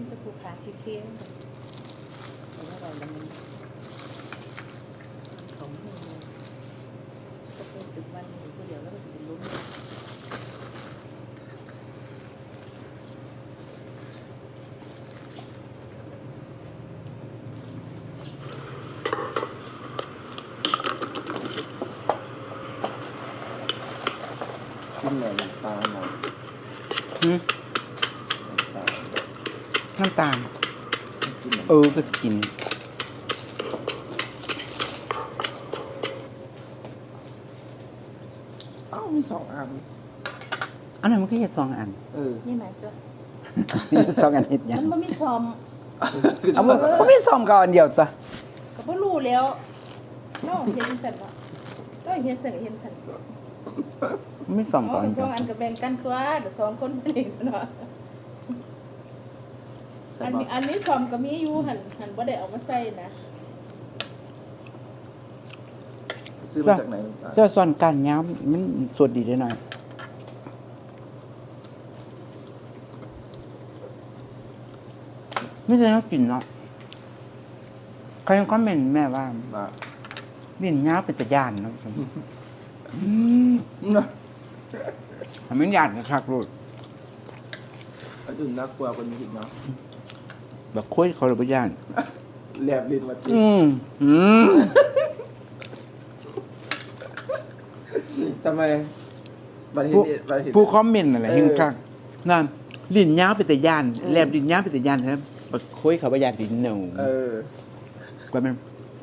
มันจะผูกขาเคี้ยวแต่ว่าเรามันของมือก็เป็นตึกวันอยู่ก็เดี๋ยวแล้วก็จะเป็นล้มกินหน่อยตาหน่อยน้ำตาลก็จะกินมี2 อันอันนั้นมันก็แค่2 อันนี่ไหมจ๊ะ 2 อันเห็ดยังมันไม่ซอมเอามันไม่2ก่อนเดียวตัวก็ไม่รู้แล้วน้องเห็นสันวะน้องเห็นสันเห็นสันไม่2ก่อน 2 อันกับแบ่งกันตัวแต่2 คนไม่ได้เนาะอันนี้ซอมก็มีอยู่หันบ่ได้เอามาใส่นะซื้อมาจากไหนเจ้าส่วนการย้ำมันสดดีได้หน่อยไม่ใช่เขากินเนาะใครยังคอมเมนต์แม่ว่าบินย้าเป็นตะยานเนาะมันยานนะครับลูกอันอื่นน่ากลัวกว่านี้อีกเนาะแบบคุยเขาเลยไปย่านแลบลิ้นมาติทำไมผู้คอมเมนต์อะไรเฮงคักนั่นลิ้นย้าเป็นตะยานแลบลิ้นย้าเป็นตะยานครับแบบคุยเขาไปย่านลิ้นหนูกว่ามัน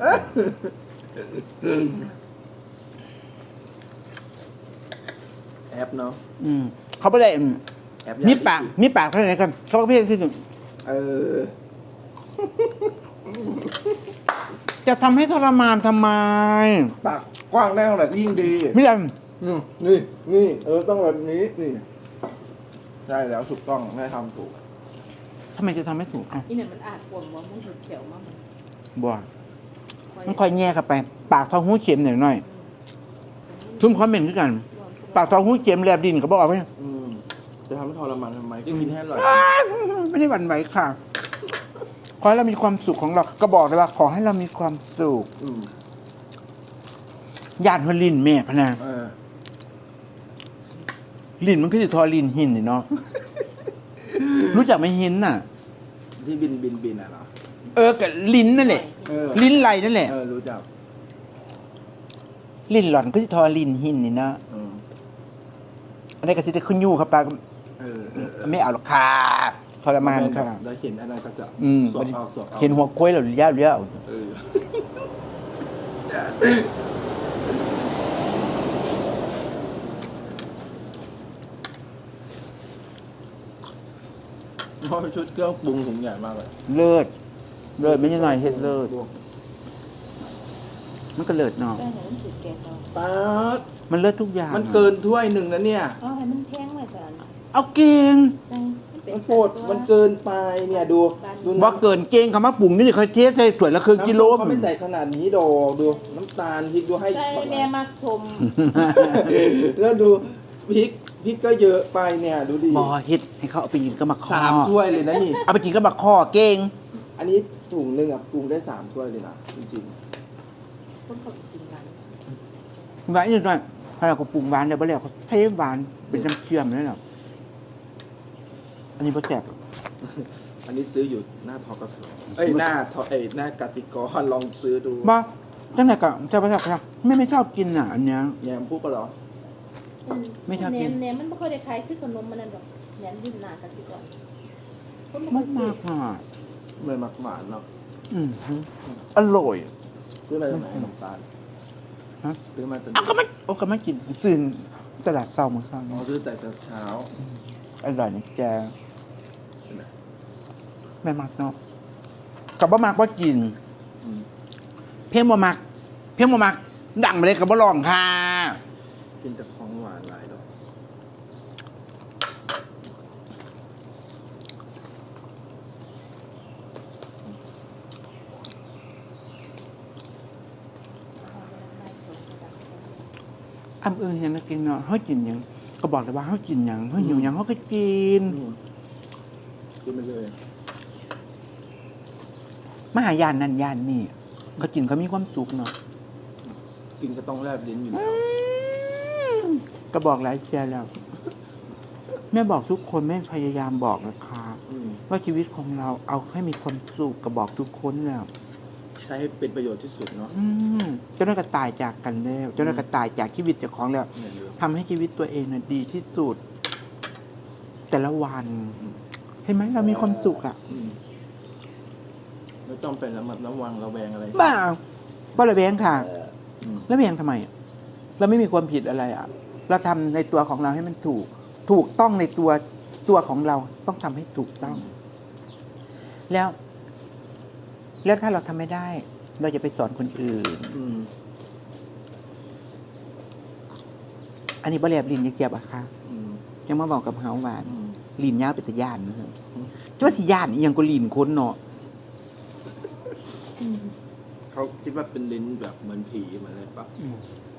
แอปเนาะเขาไม่ได้มีปากเท่าไหร่กันเขาก็เพี้ยนที่สุดจะทำให้ทรมานทำไมปากกว้างได้เท่าไหร่ก็ยิ่งดีไม่ยังนี่ต้องแบบนี้นี่ใช่แล้วถูกต้องแม่ทำถูกทำไมจะทำไม่ถูกนี่เนี่ยมันอาจปวดว่ามันเขียวมากบัวมันค่อยแง่เข้าไปปากท้องหูเข็มหน่อยทุ่มคอมเมนต์ด้วยกันปากท้องหูเข็มแลบดินเขาบอกว่าจะทำให้ทรมานทำไมก็กินให้อร่อยไม่ได้หวั่นไหวค่ะขอให้เรามีความสุขของเราก็บอกเลยว่าขอให้เรามีความสุขญาติหัวลินแม่พะนาลินมันคือจะทอลินหินเนาะรู้จักไหมหินน่ะที่บินอ่ะเหรอกับลิ้นนั่นแหละลิ้นไหลนั่นแหละรู้จักลิ้นหล่อนก็จะทอลินหินนี่เนาะอันนี้ก็จะได้ขึ้นยู่ครับปลาไม่เอาหรอกค่ะทรมานค่ะแล้วเห็นอันนั้นก็จะสวดเอาเห็นหัวกล้วยหรือย่าเลี้ยวเพราะชุดเครื่องปรุงถุงใหญ่มากเลยเลิศไม่ใช่หน่อยเห็ดเลิศมันก็เลิศเนาะป๊าดมันเลิศทุกอย่างมันเกินถ้วยหนึ่งนะเนี่ยเอาให้มันแพงเลยจ้ะเอาเก่งมันโฟดมันเกินไปเนี่ยดูว่าเกินเก่งคำว่าปรุงนี่เขาเทใส่ถ้วยละครึ่งกิโลเขาไม่ใส่ขนาดนี้ดอกดูน้ำตาลพริกดูให้ใส่แม่มักชมแล้วดูพริกก็เยอะไปเนี่ยดูดิบอเฮ็ดให้เขาเอาไปกินก็มาข้อ 3 ถ้วยเลยนะนี่เอาไปกินก็มาข้อเก่งอันนี้ถุงนึงปรุงได้3 ถ้วยเลยนะจริงๆคนเขากินหวานนิดหน่อยถ้าเราก็ปรุงหวานเดี๋ยวไปแล้วเขาเทหวานเป็นน้ำเชื่อมนั่นแหละอันนี้บ่แซ่บอันนี้ซื้ออยู่หน้าทกสหน้ากติกรลองซื้อดูบ่ตั้งแต่ก็จะบ่แซ่บครับไม่ชอบกินอ่ะอันเนี้ยแยมพูดก็หรอไม่ชอบกินเนี่ยมันไม่ค่อยได้ขายคือขนมมันนั่นหรอกแหนมดิ้นหน้ากติกรคนมากไม่มักหวานเนาะอร่อยซื้อมาจากไหนน้ำตาลซื้อมาจากก็ไม่กินตื่นตลาดเช้ามื้อเช้าซื้อแต่เช้าอร่อยนะแกแม่มักเนาะกับบ่มักบ่กินเพียงบ่มักดังไปเลยกับบ่ลองค่ะกินแต่ของหวานหลายดอกเห็นแล้วกินเนาะเขากินยังก็บอกเลยว่าเขากินยังเขาหิวยังเขาก็กินไปเลยมหายานนั่นยานนี่เขากินเขามีความสุขเนาะกินก็ต้องแลบลิ้นอยู่แล้วก็บอกหลายเชียร์แล้ว แม่บอกทุกคนแม่พยายามบอกนะคะอืมว่าชีวิตของเราเอาให้มีความสุขก็บอกทุกคนแล้วใช้ให้เป็นประโยชน์ที่สุดเนาะเจ้าหน้าก็ตายจากกันแล้วเจ้าหน้าก็ตายจากชีวิตเจ้าของแล้วเนี่ยเดี๋ยวทำให้ชีวิตตัวเองน่ะดีที่สุด แต่ละวันเห็นไหมเรามีความสุขอ่ะอืมไม่ต้องเป็นระวังระแวงอะไรบ้าบ้าระแวงค่ะอืมแล้วแวงทำไมอะเราไม่มีความผิดอะไรอ่ะ เราทำในตัวของเราให้มันถูกต้องในตัวของเราต้องทำให้ถูกต้อง แล้วถ้าเราทำไม่ได้ เราจะไปสอนคนอื่นอืมอันนี้บ่แลบลิ้นจะเกียบอะค่ะอืมยังมาบอกกับเฮาว่าอืมลิ้นยาวเป็นตะย่านนะครับจ้าสิย่านอีหยังก็ลิ้นคนเนาะเขาคิดว่าเป็นลิ้นแบบเหมือนผีเหมือนอะไรปะอืม